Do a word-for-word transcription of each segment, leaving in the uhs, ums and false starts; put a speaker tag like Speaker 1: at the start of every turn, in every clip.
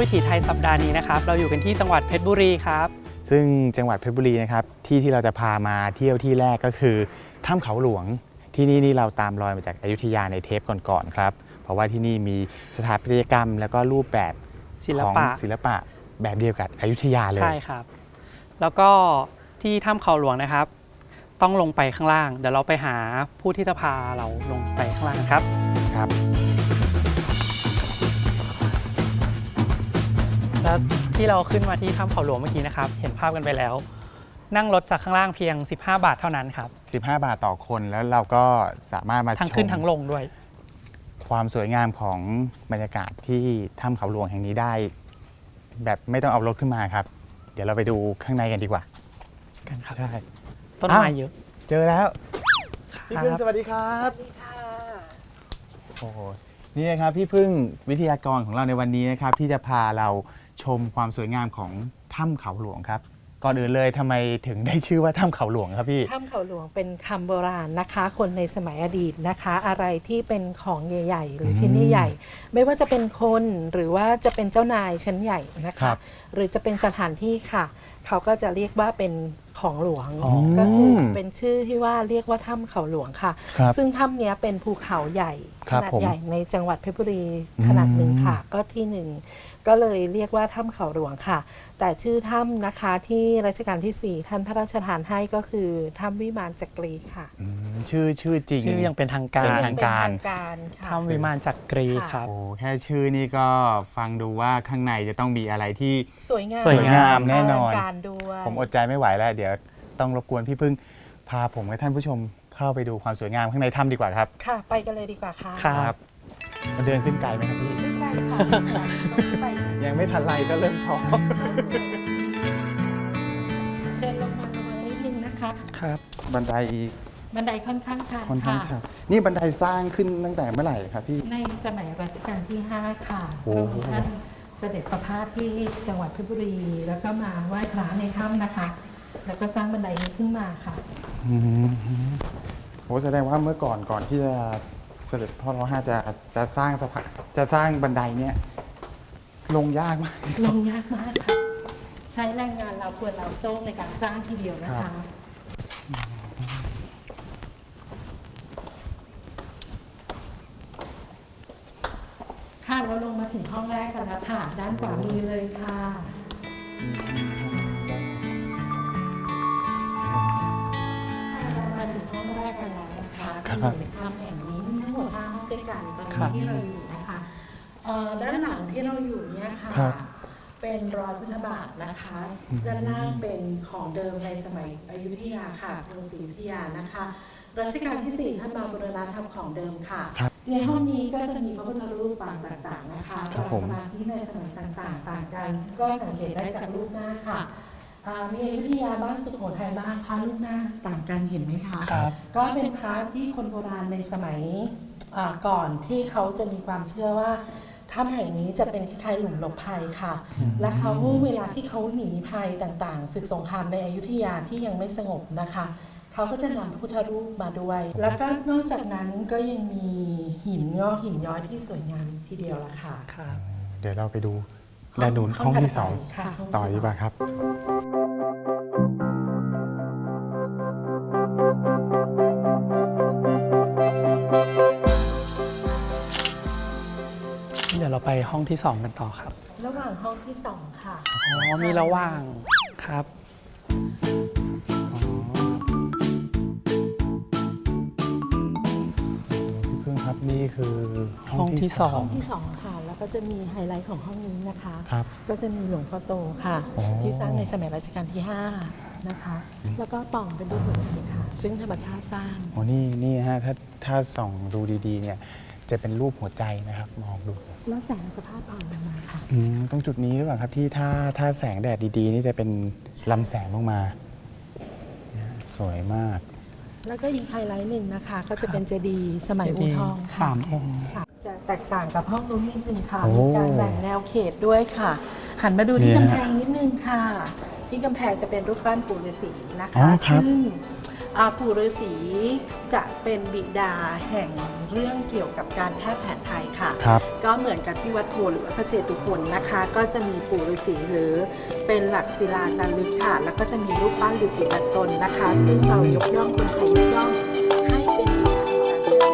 Speaker 1: วิถีไทยสัปดาห์นี้นะครับเราอยู่กันที่จังหวัดเพชรบุรีครับ
Speaker 2: ซึ่งจังหวัดเพชรบุรีนะครับที่ที่เราจะพามาเที่ยวที่แรกก็คือถ้ำเขาหลวงที่นี่นี่เราตามรอยมาจากอยุธยาในเทปก่อนๆครับเพราะว่าที่นี่มีสถาปัตยกรรมแล้วก็รูปแบบของศิลปะแบบเดียวกับอยุธยาเลย
Speaker 1: ใช่ครับแล้วก็ที่ถ้ำเขาหลวงนะครับต้องลงไปข้างล่างเดี๋ยวเราไปหาผู้ที่จะพาเราลงไปข้างล่างครับ
Speaker 2: ครับ
Speaker 1: แล้วที่เราขึ้นมาที่ถ้ำเขาหลวงเมื่อกี้นะครับเห็นภาพกันไปแล้วนั่งรถจากข้างล่างเพียงสิบห้าบาทเท่านั้นครับ
Speaker 2: สิบห้าบาทต่อคนแล้วเราก็สามารถมาชม
Speaker 1: ทั้งขึ้นทั้งลงด้วย
Speaker 2: ความสวยงามของบรรยากาศที่ถ้ำเขาหลวงแห่งนี้ได้แบบไม่ต้องเอารถขึ้นมาครับเดี๋ยวเราไปดูข้างในกันดีกว่า
Speaker 1: กันครับ
Speaker 2: ใช่
Speaker 1: ต้นไม้เยอะ
Speaker 2: เจอแล้วพี่พึ่งสวัสดีครับ
Speaker 3: สวัสดีค่ะ
Speaker 2: โอ้โหนี่นะครับพี่พึ่งวิทยากรของเราในวันนี้นะครับที่จะพาเราชมความสวยงามของถ้ำเขาหลวงครับก่อนอื่นเลยทำไมถึงได้ชื่อว่าถ้ำเขาหลวงครับพี่
Speaker 3: ถ้ำเขาหลวงเป็นคำโบราณนะคะคนในสมัยอดีตนะคะอะไรที่เป็นของใหญ่ๆหรือชิ้นใหญ่ๆไม่ว่าจะเป็นคนหรือว่าจะเป็นเจ้านายชั้นใหญ่นะคะหรือจะเป็นสถานที่ค่ะเขาก็จะเรียกว่าเป็นของหลวงก็คือเป็นชื่อที่ว่าเรียกว่าถ้ำเขาหลวงค่ะซึ่งถ้ำนี้เป็นภูเขาใหญ่ขนาดใหญ่ในจังหวัดเพชรบุรีขนาดหนึ่งค่ะก็ที่หนึ่งก็เลยเรียกว่าถ้ำเขาหลวงค่ะแต่ชื่อถ้ำนะคะที่รัชกาลที่สี่ท่านพระราชทานให้ก็คือถ้ำวิมานจักรีค่ะ
Speaker 2: ชื่อชื่อจริง
Speaker 1: ชื่อยังเป็นทางการ
Speaker 2: ทางการ
Speaker 1: ถ้ำวิมานจักรีครับ
Speaker 2: โอ้แค่ชื่อนี่ก็ฟังดูว่าข้างในจะต้องมีอะไรที่
Speaker 3: สวยงาม
Speaker 2: สวยงามแน่นอน
Speaker 3: ด้วย
Speaker 2: ผมอดใจไม่ไหวแล้วเดี๋ยวต้องรบกวนพี่พึ่งพาผมกับท่านผู้ชมเข้าไปดูความสวยงามข้างในถ้ำดีกว่าครับ
Speaker 3: ค่ะไปกันเลยดีกว่าค่ะ
Speaker 1: ครับ
Speaker 2: มาเดินขึ้นไกลไหมครับพี่
Speaker 3: ไม่ไกลค่ะ
Speaker 2: ยังไม่ทันไรก็เริ่มท้อ
Speaker 3: เดินลงมาระวังนิดนึงนะคะ
Speaker 1: ครับ
Speaker 2: บันได
Speaker 3: บันไดค่อนข้างชัน
Speaker 2: ค่อนข้างชันนี่บันไดสร้างขึ้นตั้งแต่เมื่อไหร่ครับพี่
Speaker 3: ในสมัยรัชกาลที่ห้าค่ะพระองค์ท่านเสด็จประพาสที่จังหวัดเพชรบุรีแล้วก็มาไหว้พระในถ้ำนะคะแล้วก็สร้างบันไดนี้ขึ้นมาค่ะ
Speaker 2: โอ้แสดงว่าเมื่อก่อนก่อนที่จะเสด็จพ่อรอห้าจะจะสร้างสะพานจะสร้างบันไดเนี้ยลงยากมาก
Speaker 3: ลงยากมากค่ะใช้แรงงานเราควรเราโซ่ในการสร้างทีเดียวนะคะค่ะเราลงมาถึงห้องแรกกันแล้วค่ะด้านขวามือเลยค่ะมาถึงห้องแรกกันแล้วนะคะที่อยู่ในถ้ำแห่งนี้มีทั้งหมดห้าห้องด้วยกันตอนนี้ที่เราอยู่นะคะด้านหลังที่เราอยู่เนี่ยค่ะเป็นรอยพุทธบาทนะคะด้านล่างเป็นของเดิมในสมัยอยุธยาค่ะกรุงศรีอยุธยานะคะรัชกาลที่สี่ท่านมาบูรณะทำของเดิมค่ะในห้องนี้ก็จะมีพระพุทธรูปปางต่างๆนะคะปางสมาธิในสมัยต่างๆต่างกันก็สังเกตได้จากรูปหน้าค่ะมีอยุธยาบ้างสุโขทัยบ้างพระรูปหน้าต่างกันเห็นไหมคะก็เป็นพระที่คนโบราณในสมัยก่อนที่เขาจะมีความเชื่อว่าถ้ำแห่งนี้จะเป็นคล้ายๆหลุมหลบภัยค่ะและเขาเวลาที่เขาหนีภัยต่างๆศึกสงครามในอยุธยาที่ยังไม่สงบนะคะเขาก็จะนำพระพุทธรูปมาด้วยแล้วก็นอกจากนั้นก็ยังมีหินงอกหินย้อยที่สวยงามทีเดียวละค่ะ
Speaker 2: เดี๋ยวเราไปดูด้านนู้นห้องที่สองต่อดีกว่าครับ
Speaker 1: เดี๋ยวเราไปห้องที่สองกันต่อครับ
Speaker 3: ระหว่างห้องที่สองค่ะ
Speaker 1: อ๋อมีระหว่างครับ
Speaker 2: พี่พึ่งครับนี่คือ
Speaker 1: ห้องที่สอง
Speaker 3: ห้องที่สองค่ะแล้วก็จะมีไฮไลท์ของห้องนี้นะคะก็จะมีหลวงพ่อโตค่ะที่สร้างในสมัยรัชกาลที่ห้านะคะแล้วก็ปล่องเป็นรูปหัวใจค่ะซึ่งธรรมชาติสร้าง
Speaker 2: อ๋อนี่นี่ฮะถ้าถ้าส่องดูดีๆเนี่ยจะเป็นรูปหัวใจนะครับมองดู
Speaker 3: แล้วแสงจะพาดผ่านลงมาค่ะ
Speaker 2: ตรงจุดนี้หรือเปล่าครับที่ถ้าถ้าแสงแดดดีๆนี่จะเป็นลำแสงลงมาสวยมาก
Speaker 3: แล้วก็อีกไฮไลท์หนึ่งนะคะก็จะเป็นเจดีย์สมัยอู่ทอง
Speaker 1: สามองค์
Speaker 3: จะแตกต่างกับห้องนู้นนิดนึงค่ะมีการแบ่งแนวเขตด้วยค่ะหันมาดูที่กำแพงนิดนึงค่ะที่กำแพงจะเป็นรูปปั้นปู่ฤาษีนะคะซึ่งอ่าปู่ฤาษีจะเป็นบิดาแห่งเรื่องเกี่ยวกับการแพทย์แผนไทยค่ะ
Speaker 2: ครับ
Speaker 3: ก็เหมือนกับที่วัดโพหรือวัดพระเจตุพนนะคะ ก็จะมีปู่ฤาษีหรือเป็นหลักศิลาจารึกค่ะ แล้วก็จะมีรูปปั้นฤาษีแปดตนนะคะ ซึ่งเรายกย่องคนไทยยกย่องให้เป็นบิดาแห่งการแพทย์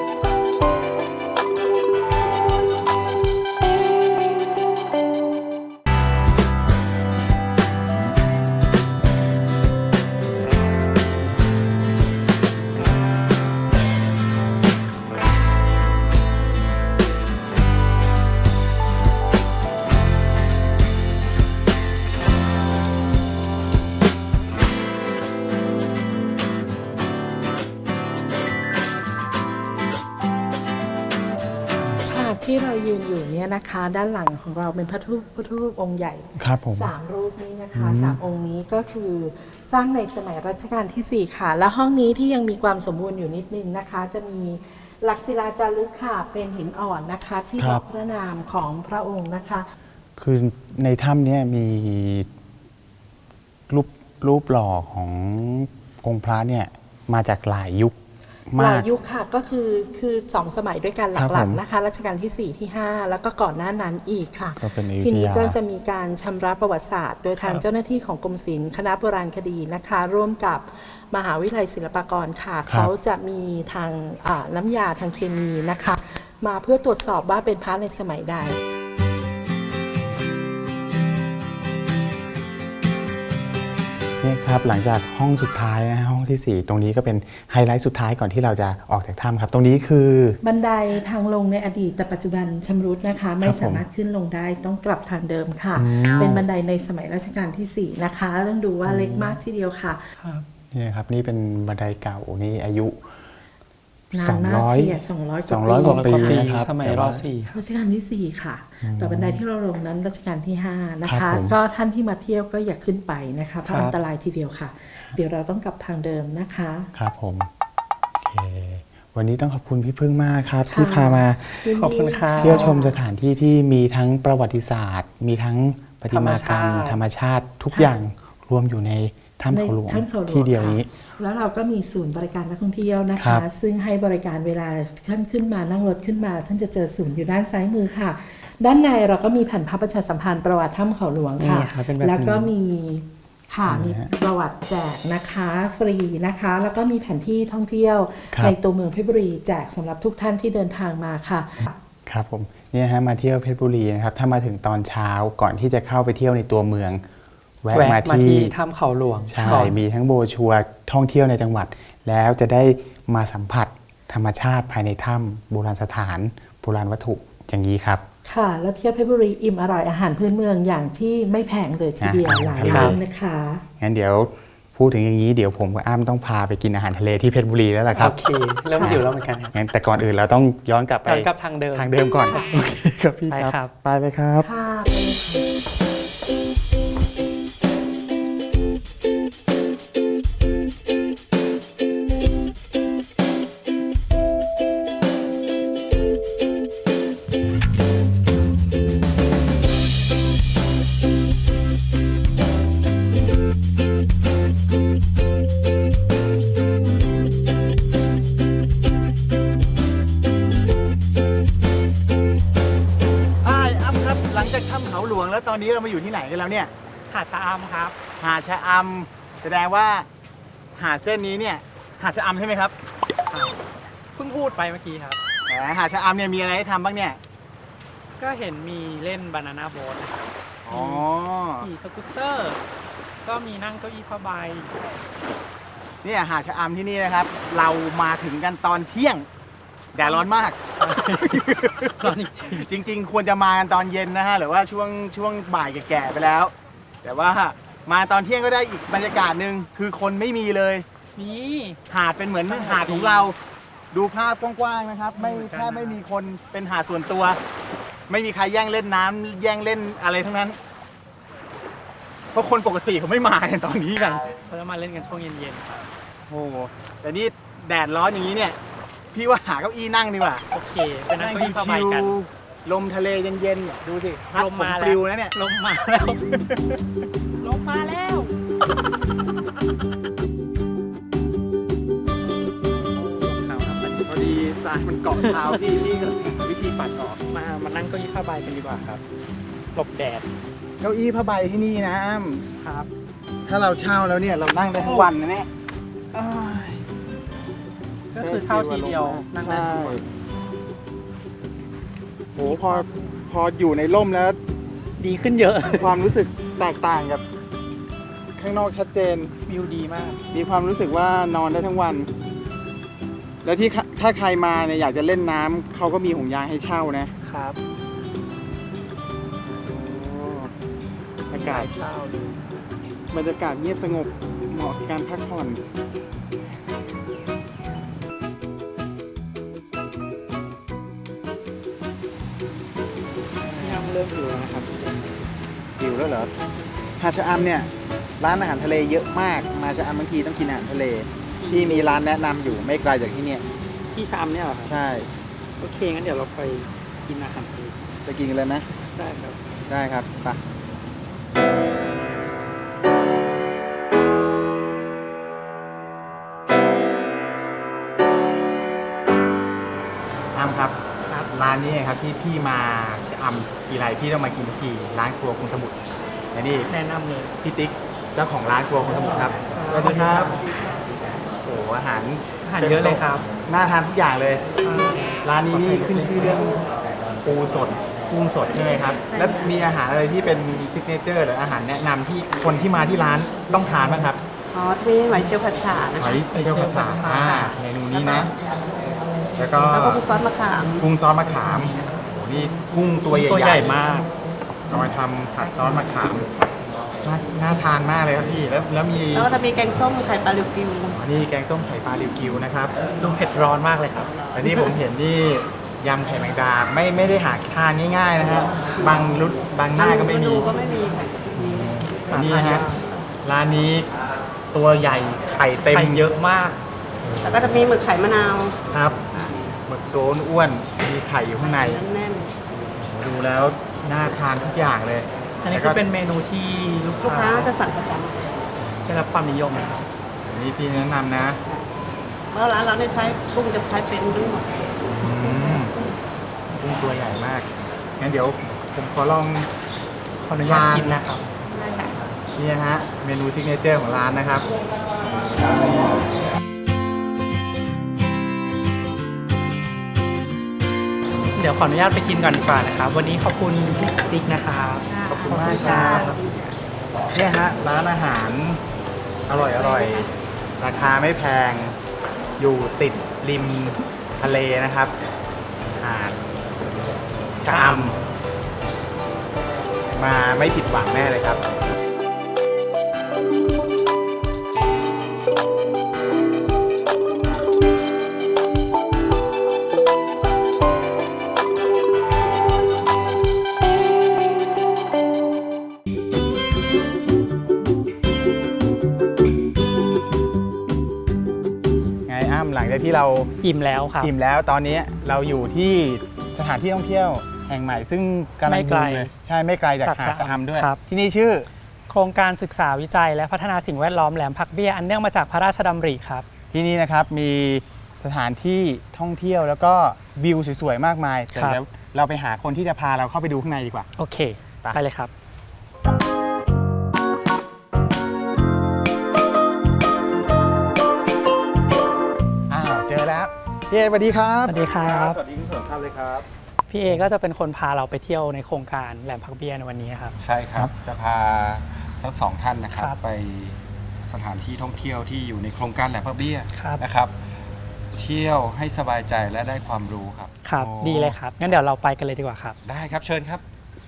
Speaker 3: ที่เรายืนอยู่เนี่ยนะคะ ด้านหลังของเราเป็นพระพุทธพระพุทธรูปองค์ใหญ่
Speaker 2: ครับผม
Speaker 3: สามรูปนี้นะคะ
Speaker 2: อืม
Speaker 3: สามองค์นี้ก็คือสร้างในสมัยรัชกาลที่สี่ค่ะ และห้องนี้ที่ยังมีความสมบูรณ์อยู่นิดนึงนะคะ จะมีหลักศิลาจารึกค่ะเป็นหินอ่อนนะคะ ที่บอกพระนามของพระองค์นะคะ
Speaker 2: คือในถ้ำเนี่ยมีรูปรูปหล่อขององค์พระเนี่ยมาจากหลายยุค
Speaker 3: ห
Speaker 2: มา
Speaker 3: ลาก ยยุคค่ะก็คือคือสองสมัยด้วยกันห
Speaker 2: ครับ
Speaker 3: ลั
Speaker 2: ผ
Speaker 3: ก
Speaker 2: ม
Speaker 3: ๆนะคะรัชกาลที่สี่ที่ห้าแล้วก็ก่อนหน้านั้นอีกค่ะ
Speaker 2: ก็เป็นอยุธยา
Speaker 3: ทีนี้ก็จะมีการชำระประวัติศาสตร์ โดยทางเจ้าหน้าที่ของกรมศิลป์คณะโบราณคดีนะคะ ร่วมกับมหาวิทยาลัยศิลปากรค่ะ เขาจะมีทางอ่าน้ำยาทางเคมีนะคะ มาเพื่อตรวจสอบว่าเป็นพระในสมัยใด
Speaker 2: เนี่ยครับหลังจากห้องสุดท้ายนะห้องที่สี่ตรงนี้ก็เป็นไฮไลท์สุดท้ายก่อนที่เราจะออกจากถ้ำครับ ตรงนี้คือ
Speaker 3: บันไดทางลงในอดีตแต่ปัจจุบันชำรุดนะคะ ไม่
Speaker 2: ครับผม
Speaker 3: สามารถขึ้นลงได้ต้องกลับทางเดิมค่ะ
Speaker 2: อืม
Speaker 3: เป็นบันไดในสมัยรัชกาลที่สี่นะคะต้องดูว่าเล็กมากทีเดียวค่ะ
Speaker 1: ครับ
Speaker 2: เนี่ยครับนี่เป็นบันไดเก่านี่อายุ
Speaker 3: นาน
Speaker 2: สอง
Speaker 3: มาก
Speaker 2: ร้อย
Speaker 3: ทีเดียวสองร้อย
Speaker 2: สองร้อย
Speaker 3: ก
Speaker 2: ก
Speaker 3: ว่า
Speaker 2: ว่า
Speaker 3: ปี
Speaker 2: ปีนะครับ
Speaker 1: สมัย
Speaker 2: แต่
Speaker 1: ร
Speaker 2: ว่า
Speaker 1: สี่
Speaker 3: รัชกาลที่สี่ค่ะ แต่บันไดที่เราลงนั้นรัชกาลที่ห้านะ
Speaker 2: ครั
Speaker 3: คะ
Speaker 2: บผม
Speaker 3: ก็ท่านที่มาเที่ยวก็อย่าขึ้นไปนะคะเพราะ
Speaker 1: ครับ
Speaker 3: อันตรายทีเดียวค่ะ เดี๋ยวเราต้องกลับทางเดิมนะคะ
Speaker 2: ครับผมโอเควันนี้ต้องขอบคุณพี่พึ่งมากครับ
Speaker 3: ค่ะ
Speaker 2: ที่พามา
Speaker 3: ยินดี
Speaker 1: ขอบคุณครับ
Speaker 2: เที่ยวชมสถานที่ที่มีทั้งประวัติศาสตร์ มีทั้งประติมากรรม
Speaker 1: ธ
Speaker 2: ธ
Speaker 1: ร
Speaker 2: ร
Speaker 1: ร
Speaker 2: ร
Speaker 1: ม
Speaker 2: ม
Speaker 1: ชา
Speaker 2: ชา
Speaker 1: ติ
Speaker 2: ติทุกอย่างรวมอยู่ในถ้ำเขาหลวง
Speaker 3: ในถ้ำเขาหลวง
Speaker 2: ที่เดียวนี้
Speaker 3: ค่ะแล้วเราก็มีศูนย์บริการนักท่องเที่ยวนะ
Speaker 2: ครั
Speaker 3: คะ
Speaker 2: บ
Speaker 3: ซึ่งให้บริการเวลาท่านขึ้นมานั่งรถขึ้นมา ท่านจะเจอศูนย์อยู่ด้านซ้ายมือค่ะ ด้านในเราก็มีแผ่นพับประชาสัมพันธ์ประวัติถ้ำเขาหลวงค่ะ
Speaker 1: นี่ครับเป็นแบบนี้
Speaker 3: แล้วก็มีค่ะ
Speaker 2: เห็นไหม
Speaker 3: มี
Speaker 2: ฮะ
Speaker 3: ประวัติแจกนะคะฟรีนะคะ แล้วก็มีแผนที่ท่องเที่ยว
Speaker 2: ครับ
Speaker 3: ในตัวเมืองเพชรบุรีแจกสำหรับทุกท่านที่เดินทางมาค่ะ
Speaker 2: ครับผมเนี่ยฮะมาเที่ยวเพชรบุรีนะครับถ้ามาถึงตอนเช้าก่อนที่จะเข้าไปเที่ยวในตัวเมือง แวะ
Speaker 1: แวะ
Speaker 2: มา
Speaker 1: มา
Speaker 2: ที่
Speaker 1: ที่ถ้ำเขาหลวง
Speaker 2: ใช่
Speaker 1: ก่อน
Speaker 2: มีทั้งโบรชัวร์ท่องเที่ยวในจังหวัด แล้วจะได้มาสัมผัสธรรมชาติภายในถ้ำโบราณสถานโบราณวัตถุอย่างนี้ครับ
Speaker 3: ค่ะ แล้วเที่ยวเพชรบุรีอิ่มอร่อยอาหารพื้นเมืองอย่างที่ไม่แพงเลยทีเดียว
Speaker 2: อ่า
Speaker 3: หลาย
Speaker 2: ครับ
Speaker 3: ร้านนะคะ
Speaker 2: งั้นเดี๋ยวพูดถึงอย่างนี้เดี๋ยวผมกับอ้ำต้องพาไปกินอาหารทะเลที่เพชรบุรีแล้วล่ะครับ
Speaker 1: โอเคเริ่มหิวแล้วเหมือนกันครับ
Speaker 2: งั้นแต่ก่อนอื่นเราต้องย้อนกลับไป
Speaker 1: ย้อนกลับทางเดิม
Speaker 2: ทางเดิมก่อนโอเคครับพี่
Speaker 1: ไป
Speaker 2: ครับ
Speaker 1: ครับ
Speaker 2: ไปเลยครับ
Speaker 3: ค่ะ
Speaker 2: อ้ายอ้ำครับหลังจากถ้ำเขาหลวงแล้วตอนนี้เรามาอยู่ที่ไหนกันแล้วเนี่ย
Speaker 1: หาดชะอำครับ
Speaker 2: หาดชะอำแสดงว่าหาดเส้นนี้เนี่ยหาดชะอำใช่ไหมครับ
Speaker 1: เพิ่งพูดไปเมื่อกี้ครับ
Speaker 2: แหมหาดชะอำเนี่ยมีอะไรให้ทำบ้างเนี่ย
Speaker 1: ก็เห็นมีเล่นบานาน่าโบ๊ท
Speaker 2: อ๋อ
Speaker 1: ขี่สกูตเตอร์ ก็มีนั่งเก้าอี้ผ้าใบ
Speaker 2: เนี่ยหาดชะอำที่นี่นะครับ เรามาถึงกันตอนเที่ยงแดดร้อนมาก
Speaker 1: ร้อนจริง
Speaker 2: จริง ๆ ควรจะมากันตอนเย็นนะฮะหรือว่าช่วงช่วงบ่ายแก่ๆไปแล้ว แต่ว่ามาตอนเที่ยงก็ได้อีกบรรยากาศหนึ่งคือคนไม่มีเลย
Speaker 1: ๆมี
Speaker 2: หาดเป็นเหมือน
Speaker 1: สงบ
Speaker 2: หาดของเรา ดูภาพกว้างๆนะครับ ไม่
Speaker 1: เหมือนกัน
Speaker 2: แค่ไม่มีคนเป็นหาดส่วนตัว ไม่มีใครแย่งเล่นน้ำแย่งเล่นอะไรทั้งนั้น เพราะคนปกติเขาไม่มากันตอนนี้กัน
Speaker 1: เขาจะมาเล่นกันช่วงเย็นๆครับ
Speaker 2: โอ้โหแต่นี่แดดร้อนอย่างนี้เนี่ย พี่ว่าหาเก้าอี้นั่งดีกว่า
Speaker 1: โอเคเป็นนั่งเก้าอี้ผ้าใบ
Speaker 2: ชิว
Speaker 1: กัน
Speaker 2: ๆลมทะเลเย็นๆเนี่ยดูสิพัด
Speaker 1: ลม
Speaker 2: ผม
Speaker 1: มา
Speaker 2: ป
Speaker 1: แล้
Speaker 2: ลิ
Speaker 1: ว
Speaker 2: วนะเนี่ย
Speaker 1: ลมมาแล้ว ลมมาแล้ว
Speaker 2: รายมันเกาะเท้าพี่พี่ก็วิธีปัดออก
Speaker 1: มามานั่งเก้าอี้ผ้าใบกันดีกว่าครับหลบแดด
Speaker 2: เก้าอี้ผ้าใบที่นี่นะอ้ำ
Speaker 1: ครับ
Speaker 2: ถ้าเราเช่าแล้วเนี่ยเรานั่งได้ทั้งวันนะเนี่ยอ้าย
Speaker 1: ก็คือเช่าทีเดียวนั่งได้
Speaker 2: ใช่
Speaker 1: ทั้งวัน
Speaker 2: โหพอพออยู่ในร่มแล้ว
Speaker 1: ดีขึ้นเยอะ
Speaker 2: ความรู้สึกแตกต่างกับข้างนอกชัดเจน
Speaker 1: วิวดีมาก
Speaker 2: มีความรู้สึกว่านอนได้ทั้งวัน แล้วที่ถ้าใครมาเนี่ยอยากจะเล่นน้ำเขาก็มีห่วงยางให้เช่านะครับ อากาศ
Speaker 1: เช่า
Speaker 2: บรรยากาศเงียบสงบเหมาะกับการพักผ่อนพี่อ้ำเริ่มหิวแล้วนะครับหิวแล้วเหรอหาดชะอำเนี่ยร้านอาหารทะเลเยอะมากมาชะอำบางทีต้องกินอาหารทะเลที่มีร้านแนะนำอยู่ไม่ไกลจากที่เนี่ย
Speaker 1: ที่ชามเนี่ยเหรอครับ
Speaker 2: ใช่
Speaker 1: โอเคงั้นเดี๋ยวเราไปกินอาหารทะเล
Speaker 2: ไปกินกันเลยไหม
Speaker 1: ได้ครับ
Speaker 2: ได้ครับไปอ้ำครับ
Speaker 1: ครับ
Speaker 2: ร้านนี้ครับที่พี่มาชะอำทีไรพี่ต้องมากินทุกทีร้านครัวกรุงสมุทรและนี่
Speaker 1: แนะนำเลย
Speaker 2: พี่ติ๊กเจ้าของร้านครัวกรุงสมุทรครับสวัสดีครับโอ้โหอาหาร
Speaker 1: อาหารเยอะเลยครับ
Speaker 2: น่าทานทุกอย่างเลย ร้านนี้นี่ขึ้นชื่อเรื่องปูสดกุ้งสดใช่ไหมครับ แล้วมีอาหารอะไรที่เป็นซิกเนเจอร์หรืออาหารแนะนำที่คนที่มาที่ร้านต้องทานบ้างครับ
Speaker 4: อ๋อมีหอยเชลล์ผัดฉ่านะ
Speaker 2: ห
Speaker 4: คะ
Speaker 2: อยเชลล์ผัดฉ่าอ่าเมนูนี้นะ แล้วก็
Speaker 4: แล้วก็กุ้งซอสมะขาม
Speaker 2: กุ้งซอสมะขามโอ้โหนี่กุ้งตัวใหญ่
Speaker 1: ตัวใหญ่มาก
Speaker 2: เอามาทำผัดซอสมะขามน่าน่าทานมากเลยครับพี่แล้วแล้วมี
Speaker 4: แล้วก็จะมีแกงส้มไข่ปลาลิวกิว
Speaker 2: อ๋อนี่แกงส้มไข่ปลาริวกิวนะครับ
Speaker 1: ดูเผ็ดร้อนมากเลยครับ
Speaker 2: อันนี้ผมเห็นนี่ยำไข่แมงดาไม่ไม่ได้หาทานง่ายๆนะฮะบางรุดบางหน้าก็ไม่มี
Speaker 4: ดูก็ไม่มีค่ะมี
Speaker 2: อันนี้นะฮะร้านนี้ตัวใหญ่ไข่เต็ม
Speaker 1: ไข่เยอะมาก
Speaker 4: แล้วก็จะมีหมึกไข่มะนาว
Speaker 2: ครับหมึกโตนอ้วนมีไข่อยู่ข้างใน
Speaker 4: แน่น
Speaker 2: ดูแล้วน่าทานทุกอย่างเลย
Speaker 1: อันนี้
Speaker 2: แล้ว
Speaker 1: คื
Speaker 2: ก็
Speaker 1: อเป็นเมนูที่ลูก
Speaker 4: ๆลูก
Speaker 1: ค้า
Speaker 4: ค้าจะสั่งประจ
Speaker 1: ได้รับความนิยมนะครับ
Speaker 2: อันนี้พี่แนะนำนะ
Speaker 4: ำเพราะร้านเราเนี่ยใช้กุ้งจะใช้เป็นด้วยหมด
Speaker 2: อืมกุ้งตัวใหญ่มากงั้นเดี๋ยวผมขอลอง
Speaker 1: ขออนุญาตกินนะครับ
Speaker 4: ได้ค่ะ
Speaker 2: นี่นะฮะเมนูซิกเนเจอร์ของร้านนะครับ
Speaker 1: เดี๋ยวขออนุญาตไปกินก่อนดีกว่านะครับ วันนี้ขอบคุณพี่ติ๊กนะครับ
Speaker 2: ขอบคุณมากครับเนี่ยฮะร้านอาหารอร่อยอร่อยราคาไม่แพงอยู่ติดริมทะเลนะครับหาดชะอำมาไม่ผิดหวังแน่เลยครับ ไงอ้ำหลังจากที่เรา
Speaker 1: อิ่มแล้วครับ
Speaker 2: อิ่มแล้วตอนนี้เราอยู่ที่สถานที่ท่องเที่ยวแห่งใหม่ ซึ่งกำลัง
Speaker 1: ไม่ไกล
Speaker 2: บูมเลยใช่ไม่ไกลจาก
Speaker 1: จาก
Speaker 2: หาดชะอำด้วย
Speaker 1: ครับ
Speaker 2: ที่นี่ชื่อ
Speaker 1: โครงการศึกษาวิจัยและพัฒนาสิ่งแวดล้อมแหลมผักเบี้ยอันเนื่องมาจากพระราชดำริครับ
Speaker 2: ที่นี่นะครับมีสถานที่ท่องเที่ยวแล้วก็วิวสวยๆ มากมายแต่
Speaker 1: ครับ
Speaker 2: เดี๋ยวเราไปหาคนที่จะพาเราเข้าไปดูข้างในดีกว่า
Speaker 1: โอเค
Speaker 2: ไป
Speaker 1: ไปเลยครับ
Speaker 2: อ้าวเจอแล้วพี่เอสวัสดีครับ
Speaker 1: สวัสดีครับ
Speaker 5: สวัสดีทุกท่านเลยครับ
Speaker 1: พี่เอก็จะเป็นคนพาเราไปเที่ยวในโครงการแหลมผักเบี้ยในวันนี้ครับ
Speaker 5: ใช่ครับ จะพาทั้งสองท่านนะครับ
Speaker 1: ครับ
Speaker 5: ไปสถานที่ท่องเที่ยวที่อยู่ในโครงการแหลมพระเบี้ย
Speaker 1: ครับ
Speaker 5: นะครับ เที่ยวให้สบายใจและได้ความรู้ครับ
Speaker 1: ครับ
Speaker 2: โอ้
Speaker 1: ดีเลยครับ งั้นเดี๋ยวเราไปกันเลยดีกว่าครับ
Speaker 5: ได้ครับเชิญครับ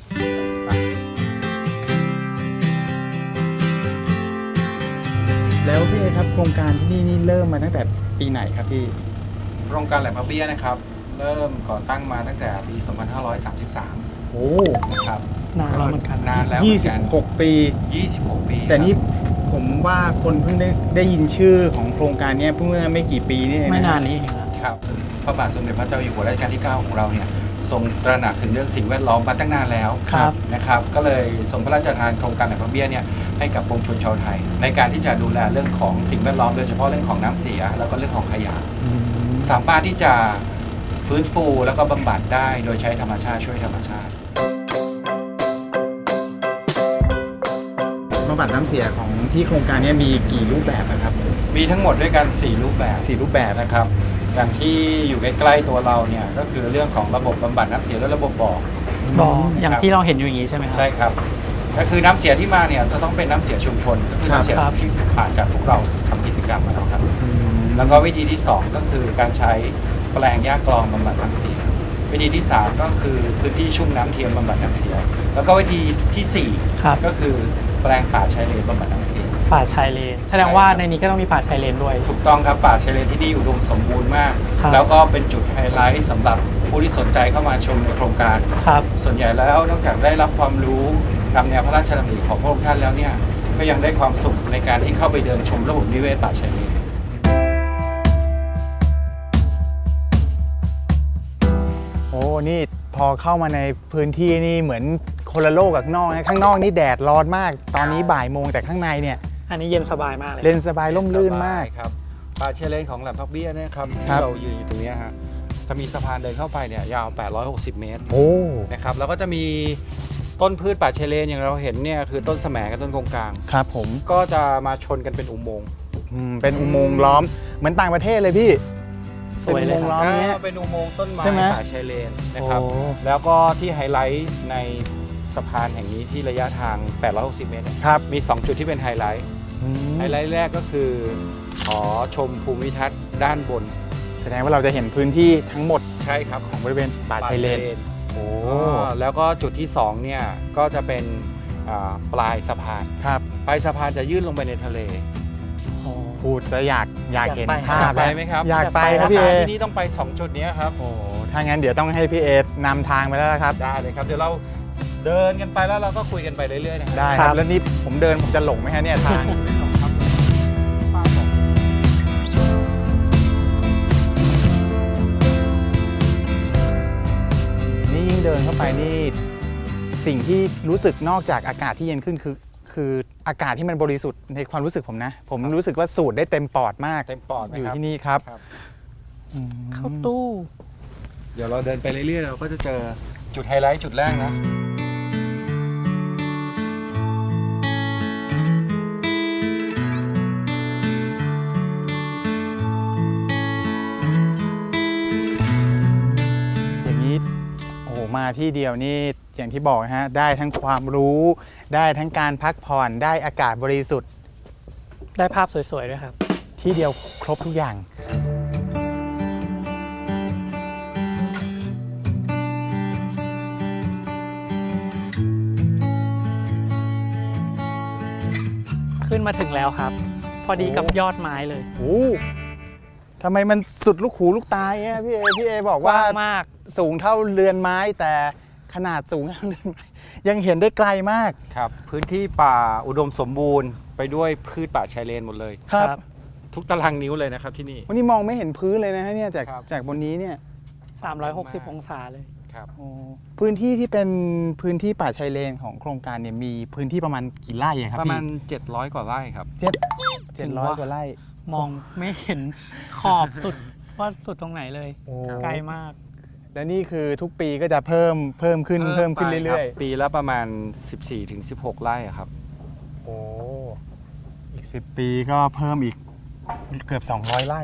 Speaker 2: แล้วพี่เอครับโครงการที่นี่นี่เริ่มมาตั้งแต่ปีไหนครับพี่
Speaker 5: โครงการแหลมพระเบี้ยนะครับ เริ่มก่อตั้งมาตั้งแต่ปี สองพันห้าร้อยสามสิบสาม
Speaker 2: โอ้
Speaker 5: นะครับ
Speaker 1: นานแล้วเหมือนกัน
Speaker 5: นานแล้ว
Speaker 2: ยี่
Speaker 5: เหมือน
Speaker 2: สิบ
Speaker 5: กัน
Speaker 2: หกปี
Speaker 5: ยี่สิบหกปี
Speaker 2: แต่นี่
Speaker 5: ครับ
Speaker 2: ผมว่าคนเพิ่งได้ได้ยินชื่อของโครงการเนี้ยเพิ่งเมื่อไม่กี่ปีนี่เองะ
Speaker 1: ไม่นานนี้เองครับ
Speaker 5: ครับพระบาทสมเด็จพระเจ้าอยู่หัวรัชกาลที่ เก้า ของเราเนี่ยทรงตระหนักถึงเรื่องสิ่งแวดล้อมมาตั้งนานแล้ว
Speaker 1: ครับ
Speaker 5: นะครับ ก็เลยทรงพระราชทานโครงการแหลมพระเบี้ยเนี่ยให้กับปวงชนชาวไทย ในการที่จะดูแลเรื่องของสิ่งแวดล้อมโดยเฉพาะเรื่องของน้ำเสียแล้วก็เรื่องของขยะ
Speaker 2: อืม
Speaker 5: สามารถที่จะฟื้นฟูแล้วก็บำบัดได้โดยใช้ธรรมชาติช่วยธรรมชาติ
Speaker 2: บำบัดน้ำเสียของที่โครงการนี้มีกี่รูปแบบนะครับ
Speaker 5: มีทั้งหมดด้วยกันสี่รูปแบบ
Speaker 2: สี่รูปแบบ
Speaker 5: นะครับอย่างที่อยู่ใกล้ๆตัวเราเนี่ยก็คือเรื่องของระบบบำบัดน้ำเสียและระบบบ่อ
Speaker 1: บ่ออย่างที่เราเห็นอยู่อย่างนี้ใช่ไหมครับ
Speaker 5: ใช่ครับก็คือน้ำเสียที่มาเนี่ยจะต้องเป็นน้ำเสียชุมชนก็คือน้ำเสียที่ผ่านจากพวกเราทำกิจกรรมมาแล้วครับแล้วก็วิธีที่สองก็คือการใช้แปลงหญ้ากรองบำบัดน้ำเสียวิธีที่สามก็คือพื้นที่ชุ่มน้ำเทียมบำบัดน้ำเสียแล้วก็วิธีที่สี่ก็คือแปลงป่าชายเลนบำบัดน้ำเสีย
Speaker 1: ป่าชายเลนแสดงว่าในนี้ก็ต้องมีป่าชายเลนด้วย
Speaker 5: ถูกต้องครับป่าชายเลนที่นี่อุดมสมบูรณ์มากแล้วก็เป็นจุดไฮไลท์สำหรับผู้ที่สนใจเข้ามาชมในโครงการ
Speaker 1: ครับ
Speaker 5: ส่วนใหญ่แล้วนอกจากได้รับความรู้ตามแนวพระราชดำริของพระองค์ท่านแล้วเนี่ยก็ยังได้ความสุขในการที่เข้าไปเดินชมระบบนิเวศป่าชายเลน
Speaker 2: โอ้นี่พอเข้ามาในพื้นที่นี่เหมือนคนละโลกกับข้างนอกนะข้างนอกนี่แดดร้อนมากตอนนี้บ่ายโมงแต่ข้างในเนี่ย
Speaker 1: อันนี้เย็นสบายมากเลย
Speaker 2: เย็นสบายร่มรื่นมาก
Speaker 5: ครับป่าชายเลนของแหลมพักเบี้ยนะครับที่เรายืนอยู่ตรงนี้ฮะจะมีสะพานเดินเข้าไปเนี่ยยาวแปดร้อยหกสิบเมตร
Speaker 2: โอ้
Speaker 5: นะครับแล้วก็จะมีต้นพืชป่าชายเลนอย่างเราเห็นเนี่ยคือต้นแสมกับต้นกงกลาง
Speaker 2: ครับผม
Speaker 5: ก็จะมาชนกันเป็นอุโมงค์
Speaker 2: เป็นอุโมงค์ล้อมเหมือนต่างประเทศเลยพี่
Speaker 1: สวยเลย
Speaker 5: ล้อมนี้เป็นอุโมงค์ต้นไม้ป่าชายเลนนะครับแล้วก็ที่ไฮไลท์ในสะพานแห่งนี้ที่ระยะทางแปดร้อยหกสิบเมตรมีสองจุดที่เป็นไฮไลท์ไฮไลท์แรกก็คือขอชมภูมิทัศน์ด้านบน
Speaker 2: แสดงว่าเราจะเห็นพื้นที่ทั้งหมด
Speaker 5: ใช่ครับ
Speaker 2: ของบริเวณป่าชายเลน
Speaker 5: โอ้แล้วก็จุดที่สองเนี่ยก็จะเป็นปลายสะพาน
Speaker 2: ครับ
Speaker 5: ปลายสะพานจะยื่นลงไปในทะเล
Speaker 2: พูดซะอยากอยากเห็นภาพ
Speaker 5: ไปไหมครับ
Speaker 2: อยากไปครับพี่เอ
Speaker 5: ที่นี่ต้องไปสองจุดนี้ครับ
Speaker 2: โอ้ถ้างั้นเดี๋ยวต้องให้พี่เอนำทางไปแล้วครับ
Speaker 5: ได้เลยครับเดี๋ยวเราเดินกันไปแล้วเราก็คุยกันไปเรื่อยๆนะครับ
Speaker 2: ได้ครับแล้วนี่ผมเดินผมจะหลงไหมฮะเนี่ยทางนี่ยิ่งเดินเข้าไปนี่สิ่งที่รู้สึกนอกจากอากาศที่เย็นขึ้นคือคืออากาศที่มันบริสุทธิ์ในความรู้สึกผมนะผมรู้สึกว่าสูดได้เต็มปอดมาก
Speaker 5: เต็มปอด
Speaker 2: อยู่ที่นี่ครับ
Speaker 1: เข้าตู้
Speaker 5: เดี๋ยวเราเดินไปเรื่อยๆเราก็จะเจอจุดไฮไลท์จุดแรกนะ
Speaker 2: อย่างนี้โอ้โหมาที่เดียวนี่อย่างที่บอกนะฮะได้ทั้งความรู้ได้ทั้งการพักผ่อนได้อากาศบริสุทธิ์
Speaker 1: ได้ภาพสวยๆด้วยครับ
Speaker 2: ที่เดียวครบทุกอย่าง
Speaker 1: ขึ้นมาถึงแล้วครับพอดีกับยอดไม้เลย
Speaker 2: โอ้ทำไมมันสุดลูกหูลูกตาเนี่ยพี่เอพี่เอบอกว่าม
Speaker 1: าก
Speaker 2: สูงเท่าเรือนไม้แต่ขนาดสูงเท่าเรือนไม้ยังเห็นได้ไกลมาก
Speaker 5: ครับพื้นที่ป่าอุดมสมบูรณ์ไปด้วยพืชป่าชายเลนหมดเลย
Speaker 2: ครับ
Speaker 5: ทุกตารางนิ้วเลยนะครับที่นี่
Speaker 2: วันนี้มองไม่เห็นพื้นเลยนะฮะเนี่ยจากจากบนนี้เนี่ย
Speaker 1: สามร้อยหกสิบองศาเลย
Speaker 5: ครับ
Speaker 2: พื้นที่ที่เป็นพื้นที่ป่าชายเลนของโครงการเนี่ยมีพื้นที่ประมาณกี่ไร่ครับ
Speaker 5: ประมาณเจ็ดร้อยกว่าไร่ครับ
Speaker 2: เจ็ดเจ็ดร้อยกว่าไร่
Speaker 1: มองไม่เห็นขอบสุดว่าสุดตรงไหนเลยไกลมาก
Speaker 2: และนี่คือทุกปีก็จะเพิ่มเพิ่มขึ้นเพิ่มขึ้นเรื่อย
Speaker 5: ๆปีละประมาณ สิบสี่ถึงสิบหก ไร่ครับ
Speaker 2: โอ้อีกสิบปีก็เพิ่มอีกเกือบสองร้อยไร่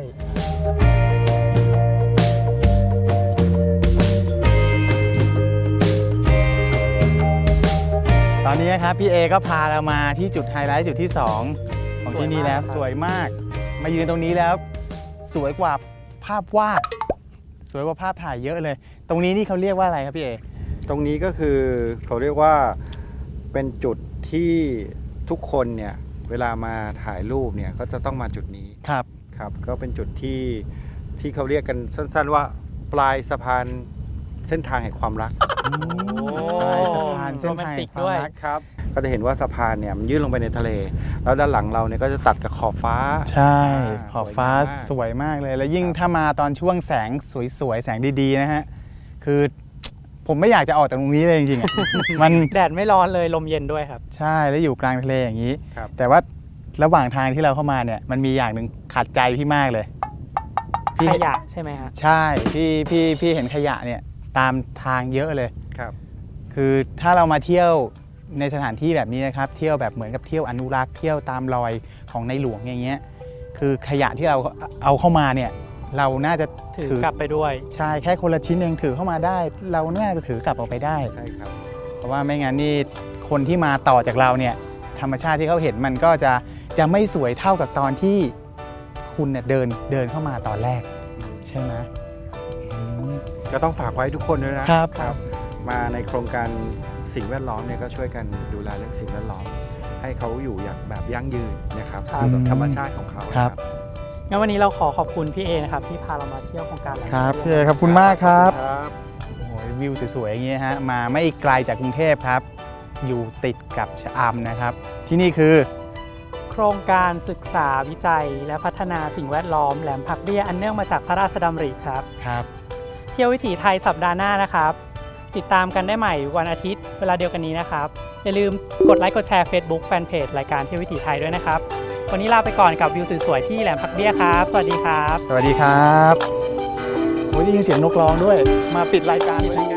Speaker 2: ตอนนี้ครับพี่เอก็พาเรามาที่จุดไฮไลท์จุดที่สองของที่นี่แล้วสวยมากมายืนตรงนี้แล้วสวยกว่าภาพวาดสวยกว่าภาพถ่ายเยอะเลยตรงนี้นี่เขาเรียกว่าอะไรครับพี่เอ
Speaker 5: ตรงนี้ก็คือเขาเรียกว่าเป็นจุดที่ทุกคนเนี่ยเวลามาถ่ายรูปเนี่ยก็จะต้องมาจุดนี้
Speaker 2: ครับ
Speaker 5: ครับก็เป็นจุดที่ที่เขาเรียกกันสั้นๆว่าปลายสะพานเส้นทางแห่งความรัก
Speaker 2: ปลายสะพานเส้นทางแห่งความรัก
Speaker 5: ครับก็จะเห็นว่าสะพานเนี่ยมันยื่นลงไปในทะเลแล้วด้านหลังเราเนี่ยก็จะตัดกับขอบฟ้า
Speaker 2: ใช่ขอบฟ้าสวยมากเลยแล้วยิ่งถ้ามาตอนช่วงแสงสวยๆแสงดีๆนะฮะคือผมไม่อยากจะออกจากตรงนี้เลยจริงๆมัน
Speaker 1: แดดไม่ร้อนเลยลมเย็นด้วยครับ
Speaker 2: ใช่แล้วอยู่กลางทะเลอย่างนี้แต่ว่าระหว่างทางที่เราเข้ามาเนี่ยมันมีอย่างหนึ่งขัดใจพี่มากเลยพี่
Speaker 1: ขยะใช่ไหมฮะ
Speaker 2: ใช่พี่พี่พี่เห็นขยะเนี่ยตามทางเยอะเลย
Speaker 5: ครับ
Speaker 2: คือถ้าเรามาเที่ยวในสถานที่แบบนี้นะครับเที่ยวแบบเหมือนกับเที่ยวอนุรักษ์เที่ยวตามรอยของในหลวงอย่างเงี้ยคือขยะที่เราเอาเข้ามาเนี่ยเราน่าจะ
Speaker 1: ถือกลับไปด้วย
Speaker 2: ใช่แค่คนละชิ้นเองถือเข้ามาได้ เราน่าจะถือกลับออกไปได้
Speaker 5: ใช่ครับ
Speaker 2: เพราะว่าไม่งั้นนี่คนที่มาต่อจากเราเนี่ยธรรมชาติที่เขาเห็นมันก็จะจะไม่สวยเท่ากับตอนที่คุณเนี่ยเดินเดินเข้ามาตอนแรกใช่ไหมอืม
Speaker 5: ก็ต้องฝากไว้ทุกคนด้วยนะครับ ครับ มาในโครงการสิ่งแวดล้อมเนี่ยก็ช่วยกันดูแลเรื่องสิ่งแวดล้อม ให้เขาอยู่อย่างแบบยั่งยืนนะครับ
Speaker 1: ครับ
Speaker 5: แบบธรรมชาติของเขา
Speaker 2: ครับ
Speaker 1: งั้นวันนี้เราขอขอบคุณพี่เอนะครับที่พาเรามาเที่ยวโครงการแหลม
Speaker 2: ครับ
Speaker 1: พัก
Speaker 2: พี่
Speaker 1: เบี้
Speaker 2: เอย ขอบคุณมากครับ
Speaker 5: ครับ
Speaker 2: โอ้โหวิวสวยๆอย่างเงี้ยฮะมาไม่ไกลจากกรุงเทพครับ อยู่ติดกับชะอำนะครับ ที่นี่คือ
Speaker 1: โครงการศึกษาวิจัย และพัฒนาสิ่งแวดล้อมแหลมผักเบี้ยอันเนื่องมาจากพระราชดำริครับ
Speaker 2: ครับ
Speaker 1: เที่ยววิถีไทยสัปดาห์หน้านะครับ ติดตามกันได้ใหม่วันอาทิตย์เวลาเดียวกันนี้นะครับ อย่าลืมกดไลค์กดแชร์ Facebook Fanpage รายการเที่ยววิถีไทยด้วยนะครับ วันนี้ลาไปก่อนกับวิวสวยๆที่แหลมผักเบี้ยครับ สวัสดีครับ
Speaker 2: สวัสดีครับโอ้ยได้ยินเสียงนกร้องด้วย มาปิดรายการด้วย